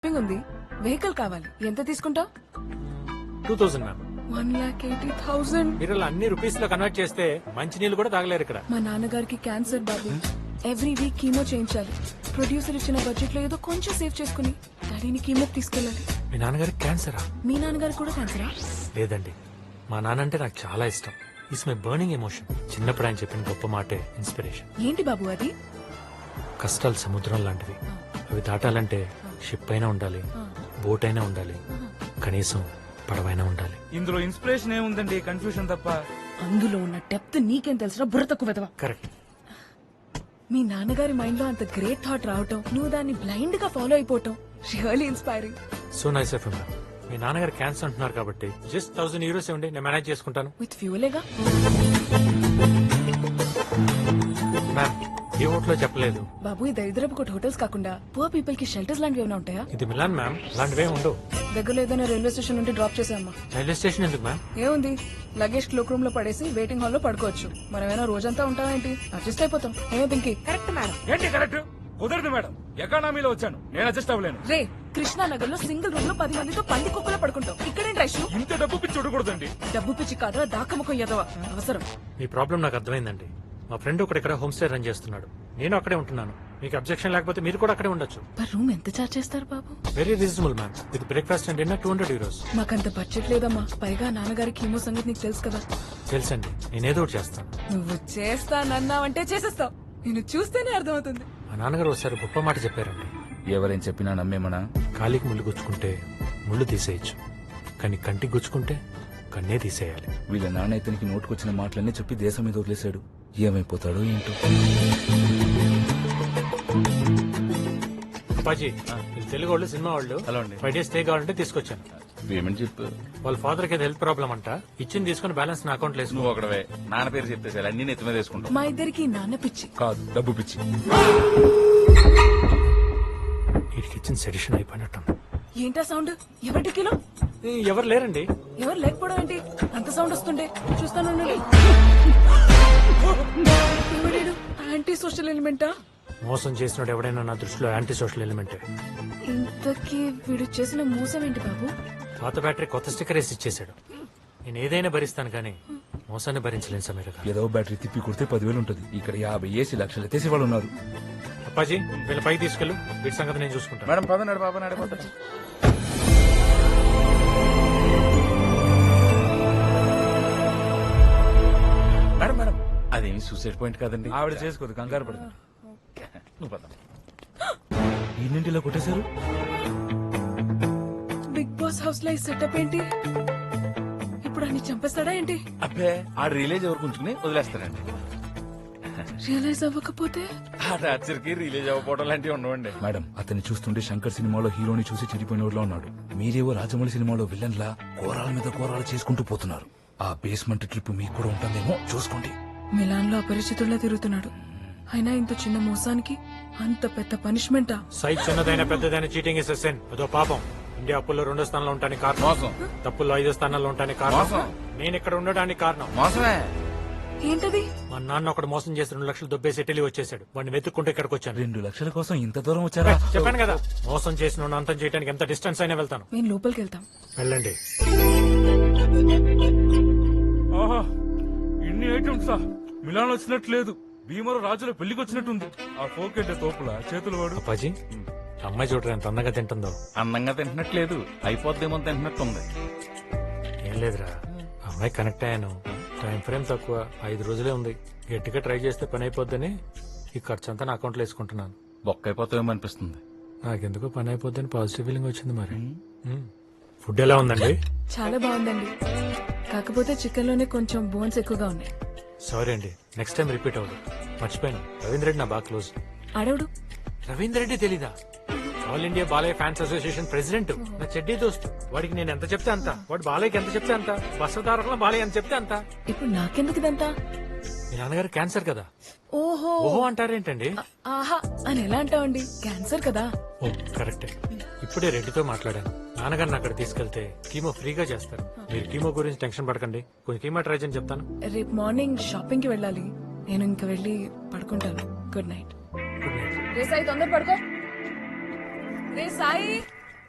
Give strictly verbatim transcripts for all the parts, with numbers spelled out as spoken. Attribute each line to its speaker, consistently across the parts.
Speaker 1: Shopping ఉంది, vehicle కావాలి. ఎంత తీసుకుంటావు?
Speaker 2: Two thousand ma'am.
Speaker 1: One lakh eighty thousand.
Speaker 2: మీరు ఇలా అన్ని రూపీస్ లో కన్వర్ట్ చేస్తే మంచి నీళ్ళు కూడా తాగలేరు ఇక్కడ.
Speaker 1: మా నాన్నగారికి క్యాన్సర్ బాబు. ఎవ్రీ వీక్ కీమో చేయించాలి. ప్రొడ్యూసర్ ఇచ్చిన బడ్జెట్ లో ఏదో కొంచెం సేవ్ చేసుకుని డాడీని కీమో తీసుకెళ్ళాలి.
Speaker 2: మీ నాన్నగారికి క్యాన్సరా?
Speaker 1: మీ నాన్నగారికి కూడా క్యాన్సరా?
Speaker 2: లేదండి, మా నాన్న అంటే నాకు చాలా ఇష్టం. It's my burning emotion. చిన్నప్పుడు ఆయన చెప్పిన గొప్ప మాటే ఇన్స్పిరేషన్.
Speaker 1: ఏంటి బాబు అది?
Speaker 2: కష్టాలు సముద్రం లాంటివి. అవి దాటాలంటే షిప్ అయినా ఉండాలి, బోట్ అయినా ఉండాలి, కనీసం పడవైనా ఉండాలి.
Speaker 3: ఇందులో ఇన్స్పిరేషన్ ఏముందండి, కన్ఫ్యూషన్ తప్ప.
Speaker 1: అందులో ఉన్న డెప్త్ నీకేం తెలుసురా బుర్ర తక్కువ వెదవా.
Speaker 2: కరెక్ట్.
Speaker 1: మీ నాన్నగారి మైండ్ లో అంత గ్రేట్ థాట్ రావటం, నువ్వు దాన్ని బ్లైండ్ గా ఫాలో అయిపోవటం really inspiring.
Speaker 2: So nice of ma'am. మీ నాన్నగారు క్యాన్సర్ అంటున్నారు కాబట్టి జస్ట్ థౌసండ్ యూరోస్ ఇవ్వండి, నేను మేనేజ్ చేసుకుంటాను.
Speaker 1: విత్ ఫ్యూలేగా.
Speaker 2: మ్యామ్, ఏ హోటల్లో చెప్పలేదు.
Speaker 1: బాబు ఈ దరిద్రపు కొట్టు హోటల్స్ కాకుండా పువర్ పీపుల్ కి షెల్టర్స్ లాంటివి ఏమైనా ఉంటాయా?
Speaker 2: ఇది మిలాన్ మ్యామ్, అలాంటివే ఉండవు.
Speaker 1: దగ్గరలో ఏదైనా రైల్వే స్టేషన్ నుండి డ్రాప్ చేసామ్మా.
Speaker 2: రైల్వే స్టేషన్ ఎందుకు మ్యామ్?
Speaker 1: ఏముంది, లగేజ్ క్లోక్ రూమ్ లో పడేసి వెయిటింగ్ హాల్ లో పడుకోవచ్చు. మనమేనా రోజంతా ఉంటావా ఏంటి? అడ్జస్ట్ అయిపోతాం. ఏమో పింకి. Correct madam.
Speaker 3: ఏంటి కరెక్ట్? కుదరదు మేడం, ఎకానమీలో వచ్చాను, నేను అడ్జస్ట్ అవ్వలేను.
Speaker 1: రే, కృష్ణానగర్ లో సింగిల్ రూమ్ లో పది మందితో పంది కుక్కలో పడుకుంటాం. ఇక్కడేం రైషు?
Speaker 3: ఇంత డబ్బు పిచ్చి చూడకూడదండి.
Speaker 1: డబ్బు పిచ్చి కాదా, దాకముఖం ఎదవా అవసరం.
Speaker 2: మీ ప్రాబ్లం నాకు అర్థమైందండి. మా ఫ్రెండ్ ఒకటి ఇక్కడ హోమ్ స్టే రన్ చేస్తున్నాడు, నేను అక్కడే ఉంటున్నాను. మీకు అబ్జెక్షన్ లేకపోతే మీరు కూడా అక్కడే ఉండొచ్చు.
Speaker 1: పర్ రూమ్ ఎంత చార్జ్ చేస్తారు బాబు?
Speaker 2: Very reasonable ma'am. With breakfast and dinner two hundred euros.
Speaker 1: మాకంత బడ్జెట్ లేదమ్మా. పైగా నాన్నగారి కీమో సంగతి నీకు తెలుసు కదా.
Speaker 2: తెలుసండి, నేనేదో ఒకటి చేస్తాను.
Speaker 1: నువ్వు చేస్తానన్నావంటే చేసేస్తావు. నేను చూస్తేనే అర్థమవుతుంది.
Speaker 2: మా నాన్నగారు ఒకసారి గొప్ప మాట చెప్పారండి.
Speaker 3: ఎవరేం చెప్పినా నమ్మేమనా?
Speaker 2: కాలికి ముళ్ళు గుచ్చుకుంటే ముళ్ళు తీసేయచ్చు, కానీ కంటికి గుచ్చుకుంటే కన్నే తీసేయాలి.
Speaker 3: వీళ్ళ నాన్న ఇతనికి నోటుకొచ్చిన మాటలన్నీ చెప్పి దేశం మీద వదిలేశాడు. ఏమైపోతాడో ఏంటో.
Speaker 2: అప్పాజీ, వీళ్ళు తెలుగు వాళ్ళు, సినిమా వాళ్ళు.
Speaker 3: హలో అండి.
Speaker 2: ఫైవ్ డేస్ స్టే కావాలంటే తీసుకొచ్చాను.
Speaker 3: పేమెంట్ చెప్పు.
Speaker 2: వాళ్ళ ఫాదర్ కి హెల్త్ ప్రాబ్లం అంట. ఇచ్చింది తీసుకుని బ్యాలెన్స్ నా అకౌంట్ లో వేసుకో.
Speaker 3: నువ్వు ఒకడవే నాన్న పేరు చెప్పేసి అన్ని నెత్తి మీద వేసుకుంటావు.
Speaker 1: మా ఇద్దరికి నాన్న పిచ్చి
Speaker 3: కాదు, డబ్బు పిచ్చి.
Speaker 2: వీడికి ఇచ్చిన సెడిషన్ అయిపోయినట్టు.
Speaker 1: ఏంటా సౌండ్? ఎవరి కిలో?
Speaker 2: ఎవరు లేరండి.
Speaker 1: ఎవరు లేకపోవడం ఏంటి? అంత సౌండ్ వస్తుండే. చూస్తాను. ఎవడేడు? యాంటీ సోషల్ ఎలిమెంటా?
Speaker 2: మోసం చేసినోడు ఎవడైనా నా దృష్టిలో యాంటీ సోషల్ ఎలిమెంటే.
Speaker 1: ఇంతకీ వీడు చేసిన మోసం ఏంటి బాబు?
Speaker 2: పాత బ్యాటరీ కొత్త స్టిక్కర్ వేసి ఇచ్చేసాడు. నేను ఏదైనా భరిస్తాను కానీ మోసాన్ని భరించలేను సమీర గారు.
Speaker 3: ఏదో బ్యాటరీ తిప్పి కొడితే పదివేలు ఉంటుంది. ఇక్కడ యాభై ఏసీ లక్షలు ఎత్తేసి వాళ్ళు ఉన్నారు.
Speaker 2: అప్పాజీ, వీళ్ళ పైకి తీసుకెళ్ళు. వీటి సంగతి నేను చూసుకుంటాను.
Speaker 3: మేడం పదనాడు బాబా నడిపోతా. మేడం మేడం అదేమి సూసైడ్ పాయింట్ కాదండి. ఆవిడ చేసుకోదు, కంగారు పడుతుంది. నువ్వు పద. ఎన్నింటిలో కొట్టేశారు?
Speaker 1: బిగ్ బాస్ హౌస్ లో ఈ సెటప్ ఏంటి? ఇప్పుడు అన్ని చంపేస్తాడా ఏంటి?
Speaker 3: అబ్బే, ఆ రిలేజ్ ఎవరు ఉంచుకుని వదిలేస్తారండి.
Speaker 1: రియలైజ్ అవ్వకపోతే?
Speaker 3: ఆ టార్చర్కి రిలీజ్ అవ్వకపోవడం లాంటివి ఉండవండి. మేడం, అతన్ని చూస్తుంటే శంకర్ సినిమాలో హీరోని చూసి చెడిపోయినోడ్లో ఉన్నాడు. మీరేవో రాజమౌళి సినిమాలో విలన్ లా కోరాల మీద కోరాలు చేసుకుంటూ పోతున్నారు. ఆ బేస్మెంట్ ట్రిప్ మీకు కూడా ఉంటుందేమో చూసుకోండి.
Speaker 1: మిలాన్ లో అపరిచితుల్లా తిరుగుతున్నాడు. అయినా ఇంత చిన్న మోసానికి అంత పెద్ద పనిష్మెంటా?
Speaker 2: సైజ్ చిన్నదైన పెద్దదైన చీటింగ్ ఇస్ సెన్. అదో పాపం. ఇండియా అప్పుల్లో రెండో స్థానంలో ఉంటానికి కారణం
Speaker 3: మోసం.
Speaker 2: తప్పుల్లో ఐదో స్థానంలో ఉంటానికి కారణం
Speaker 3: మోసం.
Speaker 2: నేను ఇక్కడ ఉండడానికి కారణం
Speaker 3: మోసమే.
Speaker 1: ఏంటది?
Speaker 2: మా నాన్న ఒకడు మోసం చేసి రెండు లక్షలు దొబ్బేసి ఇటలీ వచ్చేసాడు. వాడిని వెతుక్కుంటే ఇక్కడికి వచ్చాను.
Speaker 3: రెండు లక్షల కోసం ఇంత దూరం వచ్చారా?
Speaker 2: చెప్పాను కదా, మోసం చేసిన వాడిని అంతం చేయడానికి ఎంత డిస్టెన్స్ అయినా వెళ్తాను.
Speaker 1: మేము లోపలికి వెళ్తాం.
Speaker 2: వెళ్ళండి.
Speaker 3: ఆహా, ఇన్ని ఐటమ్సా? మిలాన్ వచ్చినట్లేదు, భీమరు రాజుల పెళ్లికి వచ్చినట్టుంది. ఆ ఫోకెట్ తోపుల చేతులు వాడు.
Speaker 2: అప్పాజీ, అమ్మాయి చూడరా ఎంత అందంగా తింటుందో.
Speaker 3: అందంగా తింటున్నట్లేదు, అయిపోద్దేమో తింటున్నట్టుంది.
Speaker 2: ఏం లేదురా, అమ్మాయి కనెక్ట్ అయ్యాను. టైం ఫ్రేమ్ తక్కువ, ఐదు రోజులే ఉంది. గట్టిగా ట్రై చేస్తే పని అయిపోద్దని ఈ ఖర్చు అంతా నా అకౌంట్లో వేసుకుంటున్నాను.
Speaker 3: బొక్క అయిపోతామేమో అనిపిస్తుంది.
Speaker 2: నాకెందుకో పని అయిపోద్దని పాజిటివ్ ఫీలింగ్ వచ్చింది. మరి మ్మ్. ఫుడ్ ఎలా ఉందండి?
Speaker 1: చాలా బాగుందండి, కాకపోతే చికెన్ లోనే కొంచెం బోన్స్ ఎక్కువగా ఉన్నాయి.
Speaker 2: సారీ అండి, నెక్స్ట్ టైం రిపీట్ అవ్వదు. మర్చిపోయాను, రవీంద్ర రెడ్డి నా బాగా క్లోజ్.
Speaker 1: అడవుడు
Speaker 2: రవీంద్ర రెడ్డి తెలీదా? All India Balayya fans association president, నా చెడ్డీ దోస్తు. వాడికి నేను ఎంత చెప్తే అంత, వాడు బాలయ్యకి ఎంత చెప్తే అంత, బస్సదారకుల బాలయ్య ఎంత చెప్తే అంత.
Speaker 1: ఇప్పుడు నాకెందుకు ఇదంతా?
Speaker 2: మీ నాన్నగారు క్యాన్సర్ కదా.
Speaker 1: ఓహో
Speaker 2: ఓహో అంటారేంటండి?
Speaker 1: ఆహా అని ఎలా అంటావండి? క్యాన్సర్ కదా.
Speaker 2: ఓ కరెక్టే. ఇప్పుడే రెడ్డితో మాట్లాడాను. నాన్నగారిని అక్కడ తీసుకెళ్తే కీమో ఫ్రీగా చేస్తారు. మీరు కీమో గురించి టెన్షన్ పడకండి, కొంచెం కీమో ట్రై చేయని చెప్తాను.
Speaker 1: రేపు మార్నింగ్ షాపింగ్ కి వెళ్ళాలి. నేను ఇంక వెళ్ళి పడుకుంటాను. Good night.
Speaker 2: Good night.
Speaker 1: రే సాయి, తొందర పడుకో. రే సాయి.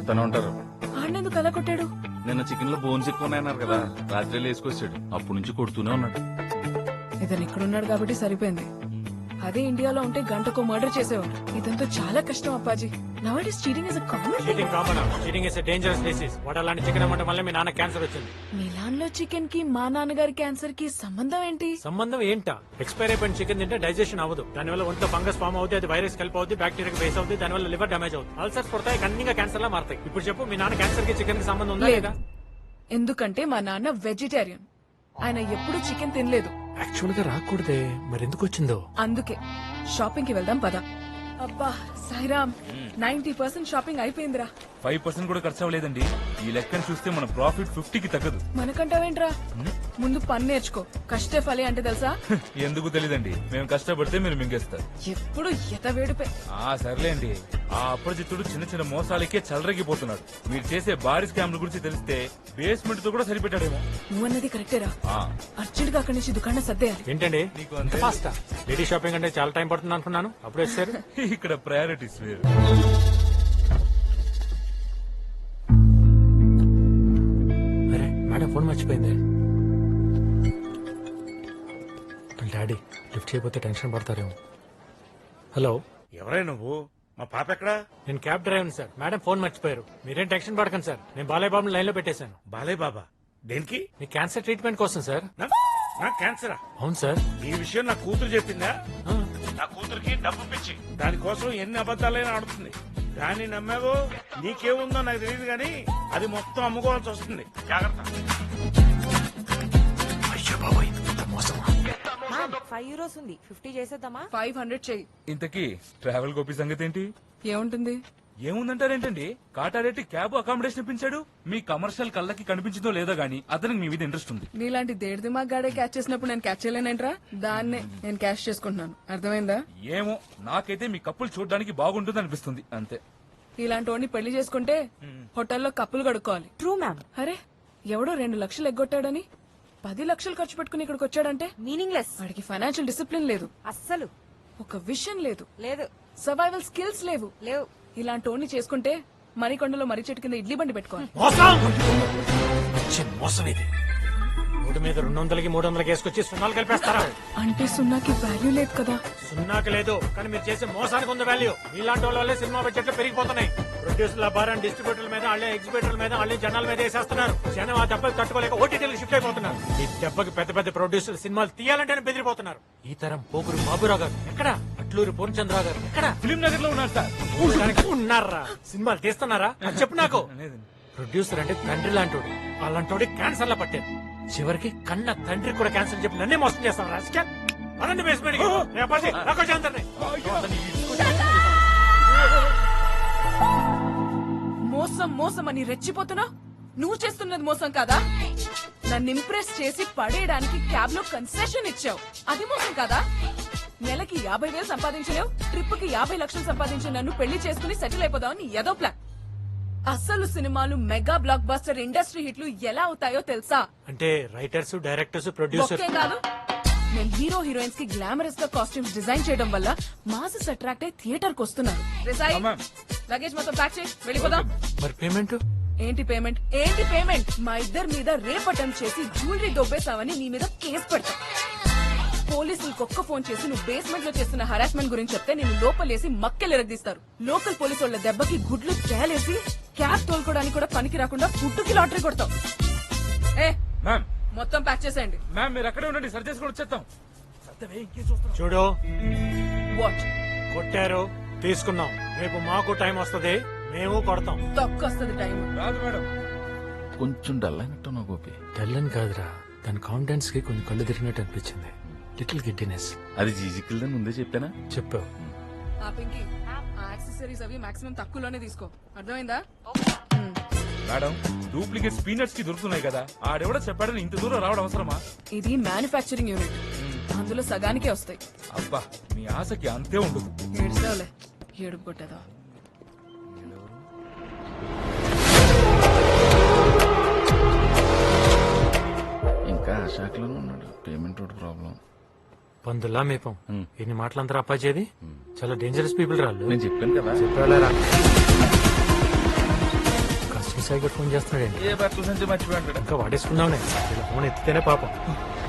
Speaker 4: కొట్టేస్తానే ఉంటారు.
Speaker 1: ఆడినందుకు అలా కొట్టాడు.
Speaker 4: నిన్న చికెన్ లో బోన్స్ ఎక్కువ ఉన్నాయన్నారు కదా, రాత్రి వేసుకొచ్చాడు. అప్పటి నుంచి కొడుతూనే ఉన్నాడు.
Speaker 1: ఇతను ఇక్కడున్నాడు కాబట్టి సరిపోయింది. అదే ఇండియాలో ఉంటే గంటకు మర్డర్ చేసేవాడు. ఇదంతా చాలా కష్టం Appaji. Now it is cheating is a common.
Speaker 2: Cheating common cheating is dangerous disease. వాడు అలాంటి చికెన్ అమ్మటం వల్ల మీ నాన్న క్యాన్సర్ వచ్చింది.
Speaker 1: మిలాన్ లో చికెన్ కి మా నాన్నగారి క్యాన్సర్ కి సంబంధం ఏంటి?
Speaker 2: సంబంధం ఏంటా? ఎక్స్పైర్ అయిపోయిన చికెన్ తింటే డైజెషన్ అవ్వదు. దానివల్ల ఒంట్లో ఫంగస్ ఫామ్ అవుతుంది, అది వైరస్ కలిపి అవుతుంది, బ్యాక్టీరియా బేస్ అవుతుంది, దానివల్ల లివర్ డామేజ్ అవుతుంది, అల్సర్స్ పడతాయి, కన్నీగా క్యాన్సర్ లా మారుతాయి. ఇప్పుడు చెప్పు, మీ నాన్న క్యాన్సర్ కి చికెన్ కి సంబంధం ఉందా లేదా?
Speaker 1: ఎందుకంటే మా నాన్న వెజిటేరియన్. ఆయన ఎప్పుడు చికెన్ తినలేదు.
Speaker 2: యాక్చువల్ గా రాకూడదే, మరి ఎందుకు వచ్చిందో?
Speaker 1: అందుకే షాపింగ్ కి వెళ్దాం పద. అబ్బా సాయిరామ్, నైన్టీ పర్సెంట్ షాపింగ్ అయిపోయిందిరా.
Speaker 3: ఫైవ్ పర్సెంట్ కూడా ఖర్చు అవ్వలేదండి. ఈ లెక్కను చూస్తే మన ప్రాఫిట్ ఫిఫ్టీకి తగ్గదు.
Speaker 1: మనకంటావేంట్రా? ముందు పని నేర్చుకో. కష్టే ఫలి అంటే తెలుసా?
Speaker 3: ఎందుకు తెలీదండి, మేము కష్టపడితే మీరు మింగేస్తారు.
Speaker 1: ఎప్పుడు ఎత వేడిపే.
Speaker 3: ఆ సర్లేండి, ఆ అప్రజిత్తుడు చిన్న చిన్న మోసాలకే చలరగిపోతున్నాడు. మీరు చేసే భారీ స్కామ్ల గురించి తెలిస్తే బేస్మెంట్ తో కూడా సరిపెట్టాడేమో.
Speaker 1: నువ్వన్నది కరెక్టేరా.
Speaker 3: ఆ,
Speaker 1: అర్జెంట్ గా అక్కడి నుంచి దుకాణం సర్దేయాలి.
Speaker 2: ఏంటండి
Speaker 3: నీకు అంతే.
Speaker 2: ఫాస్ట్ లేడీ షాపింగ్ అంటే చాలా టైం పడుతుంది అనుకున్నాను, అప్పుడు వచ్చారు.
Speaker 3: ఇక్కడ ప్రయారిటీస్ వేరు.
Speaker 2: అరే మేడం ఫోన్ మర్చిపోయింది. డాడీ లిఫ్ట్ చేయకపోతే టెన్షన్ పడతారేమో. హలో,
Speaker 5: ఎవరై నువ్వు? మా పాప ఎక్కడా?
Speaker 2: నేను cab driver sir. Madam phone మర్చిపోయారు. మీరేం టెన్షన్ పడకండి సార్, నేను బాలయ్య బాబుని లైన్ లో పెట్టేశాను.
Speaker 5: బాలయ్య బాబా దేనికి?
Speaker 2: మీ క్యాన్సర్ ట్రీట్మెంట్ కోసం సార్.
Speaker 5: నా- నా క్యాన్సరా?
Speaker 2: అవును సార్.
Speaker 5: ఈ విషయం నా కూతురు చెప్పిందా?
Speaker 2: ఆ,
Speaker 5: నా కూతురికి డబ్బు పిచ్చి, దానికోసం ఎన్ని అబద్ధాలైనా ఆడుతుంది. దాన్ని నమ్మావో నీకేముందో నాకు తెలియదు గానీ అది మొత్తం అమ్ముకోవాల్సి వస్తుంది. జాగ్రత్త.
Speaker 2: అయ్యో బాబోయ్, ఇంత మోసమా?
Speaker 6: ఫైవ్ యూరోస్ ఉంది, ఫిఫ్టీ చేసేద్దామా?
Speaker 1: ఫైవ్ హండ్రెడ్ చెయ్యి.
Speaker 3: ఇంతకీ ట్రావెల్ గోపి సంగతి ఏంటి?
Speaker 1: ఏముంటుంది?
Speaker 3: ఏముందంటారేంటండి, కాటారెడ్డి క్యాబ్ అకామిడేషన్ ఇప్పించాడు. మీ కమర్షియల్ కళ్ళకి కనిపించిందో లేదో గానీ అతనికి మీ మీద ఇంట్రెస్ట్ ఉంది.
Speaker 1: నీలాంటి దేడి దిమాగ్ గాడే క్యాచ్ చేసినప్పుడు నేను క్యాచ్ చేయలేనంట్రా. దాన్నే నేను క్యాష్ చేసుకుంటున్నాను. అర్థమైందా?
Speaker 3: ఏమో, నాకైతే మీ కప్పులు చూడడానికి బాగుంటుంది అనిపిస్తుంది అంతే.
Speaker 1: ఇలాంటి వాడిని పెళ్లి చేసుకుంటే హోటల్లో కప్పులు కడుక్కోవాలి.
Speaker 6: True ma'am.
Speaker 1: అరే ఎవడో రెండు లక్షలు ఎగ్గొట్టాడని పది లక్షలు ఖర్చు పెట్టుకుని ఇక్కడికి వచ్చాడంటే
Speaker 6: మీనింగ్ లెస్.
Speaker 1: వాడికి ఫైనాన్షియల్ డిసిప్లిన్ లేదు,
Speaker 6: అస్సలు
Speaker 1: ఒక విషన్ లేదు,
Speaker 6: లేదు.
Speaker 1: సర్వైవల్ స్కిల్స్ లేవు.
Speaker 6: లేవు.
Speaker 1: ఇలాంటి వాడిని చేసుకుంటే మరికొండలో మర్రి చెట్టు కింద ఇడ్లీ బండి పెట్టుకోవాలి.
Speaker 2: మోసం వచ్చే మోసం ఇది. మూడు మీద రెండు వందలకి మూడు వందలకి వేసుకొచ్చి సున్నాలు కలిపేస్తారా?
Speaker 1: అంటే సున్నాకి వాల్యూ లేదు కదా.
Speaker 2: సున్నాకి లేదు, కానీ మీరు చేసే మోసానికి ఉంది వాల్యూ. మీలాంటి వాళ్ళ వల్లే సినిమా బడ్జెట్లు పెరిగిపోతున్నాయి. ప్రొడ్యూసర్ల భారం డిస్ట్రిబ్యూటర్ల మీద, వాళ్ళే ఎగ్జిబిటర్ల మీద, వాళ్ళే జనాల మీద వేసేస్తున్నారు. జనం ఆ దెబ్బకి తట్టుకోలేక ఓటీటీలకు షిఫ్ట్ అయిపోతున్నారు. ఈ దెబ్బకి పెద్ద పెద్ద ప్రొడ్యూసర్ సినిమాలు తీయాలంటేనే బెదిరిపోతున్నారు. ఈ తరం పోగురు బాబురావు గారు ఎక్కడ, అట్లూరి పూర్ణచంద్రరావు గారు ఎక్కడ,
Speaker 3: ఫిలిం నగర్ లో ఉన్నారు సార్.
Speaker 2: చూడడానికి ఉన్నారా? సినిమాలు తీస్తున్నారా? అది చెప్పు నాకు.
Speaker 3: లేదండి.
Speaker 2: ప్రొడ్యూసర్ అంటే తండ్రి లాంటోడు, అలాంటోడి క్యాన్సర్ లా పట్టారు. చివరికి కన్న తండ్రి కూడా క్యాన్సర్ చెప్పి నన్నే మోసం చేస్తాను. రాజకీయ అనండి బేస్మెంట్
Speaker 1: మోసం మోసం అని రెచ్చిపోతున్నా. నువ్వు చేస్తున్నది మోసం కాదా? నన్ను ఇంప్రెస్ చేసి పడేయడానికి క్యాబ్ లో కన్సెషన్ ఇచ్చావు, అది మోసం కాదా? నెలకి యాభై వేలు సంపాదించలేవు, ట్రిప్ కి యాభై లక్షలు సంపాదించి నన్ను పెళ్లి చేసుకుని సెటిల్ అయిపోదామని ఏదో ప్లాన్. అసలు సినిమాలు మెగా బ్లాక్ బస్టర్ ఇండస్ట్రీ హిట్లు ఎలా అవుతాయో తెలుసా?
Speaker 2: అంటే రైటర్స్, డైరెక్టర్స్, ప్రొడ్యూసర్
Speaker 1: ఒకే కాదు, నేను హీరో హీరోయిన్స్ కి గ్లామరస్ గా కాస్ట్యూమ్స్ డిజైన్ చేయడం వల్ల మాసెస్ అట్రాక్ట్ అయి థియేటర్ కు వస్తున్నారు. రిసాయి, లగేజ్ మొత్తం ప్యాక్ చేయి, వెళ్ళిపోదాం.
Speaker 2: మరి పేమెంట్
Speaker 1: ఏంటి పేమెంట్? ఏంటి పేమెంట్? మా ఇద్దరి మీద రేప్ అటెంప్ట్ చేసి జ్యువెలరీ దొబ్బేసావని నీ మీద కేసు పెడతా. పోలీసులకు ఒక్క ఫోన్ చేసి నువ్వు బేస్మెంట్ లో చేస్తున్న హరాస్మెంట్ గురించి చెప్తే నేను లోపలేసి మక్కెలు ఎరగదీస్తారు. లోకల్ పోలీసు వాళ్ళ దెబ్బకి గుడ్లు తేలేసి క్యాబ్ తోలుకోవడానికి కూడా పనికి రాకుండా ఫుడ్కి లాటరీ కొడతావు. ఏ
Speaker 3: మ్యామ్,
Speaker 1: మొత్తం ప్యాక్ చేసేయండి.
Speaker 3: మ్యామ్ మీరు అక్కడే ఉండండి, సరి చేసుకొని వచ్చేస్తాం.
Speaker 2: చూడు,
Speaker 1: వాట్
Speaker 2: కొట్టారు, తీసుకున్నాం. రేపు మాకు టైం వస్తది, మేము కొడతాం.
Speaker 1: తక్కువ వస్తుంది టైం.
Speaker 3: రాదు మేడం.
Speaker 4: కొంచెం డల్ అయినట్టు నా గోపి.
Speaker 2: తెల్లని కాదురా, దాని కాన్ఫిడెన్స్ కి కొంచెం కళ్ళు తిరిగినట్టు అనిపించింది. Little giddiness.
Speaker 4: అది జీజికిల్దని ముందే చెప్పానా?
Speaker 2: చెప్పావు.
Speaker 1: ఆ పింకి, ఆ యాక్సెసరీస్ అవి మాక్సిమం తక్కువలోనే తీసుకో, అర్థమైందా?
Speaker 3: మేడం, డూప్లికేట్ స్పీనట్స్ కి దొరుకుతున్నాయి కదా, ఆడెవడో చెప్పాడని ఇంత దూరం రావడం అవసరమా?
Speaker 1: ఇది మ్యానుఫ్యాక్చరింగ్ యూనిట్, అందులో సగానికే వస్తాయి.
Speaker 3: అబ్బా, మీ ఆశకి అంతే ఉండదు.
Speaker 1: ఏడుస్తావులే, ఏడుపు కొట్టేదా.
Speaker 4: ఇంకా ఆ శాఖలోనే ఉన్నాడు. పేమెంట్ ఒకటి ప్రాబ్లం.
Speaker 2: పందుల్లా మేపం. ఇన్ని మాటలంతా అప్పాచేది. చాలా డేంజరస్ పీపుల్ రాళ్ళు.
Speaker 4: నేను చెప్పాను కదా.
Speaker 2: చెప్పారా? సాయి ఫోన్ చేస్తున్నాడండి
Speaker 4: ఏ బట్టల నుంచి మర్చిపోయి ఉంటాడు.
Speaker 2: ఇంకా వాడేసుకుందాంలే ఇలా ఫోన్ ఎత్తితేనే పాపం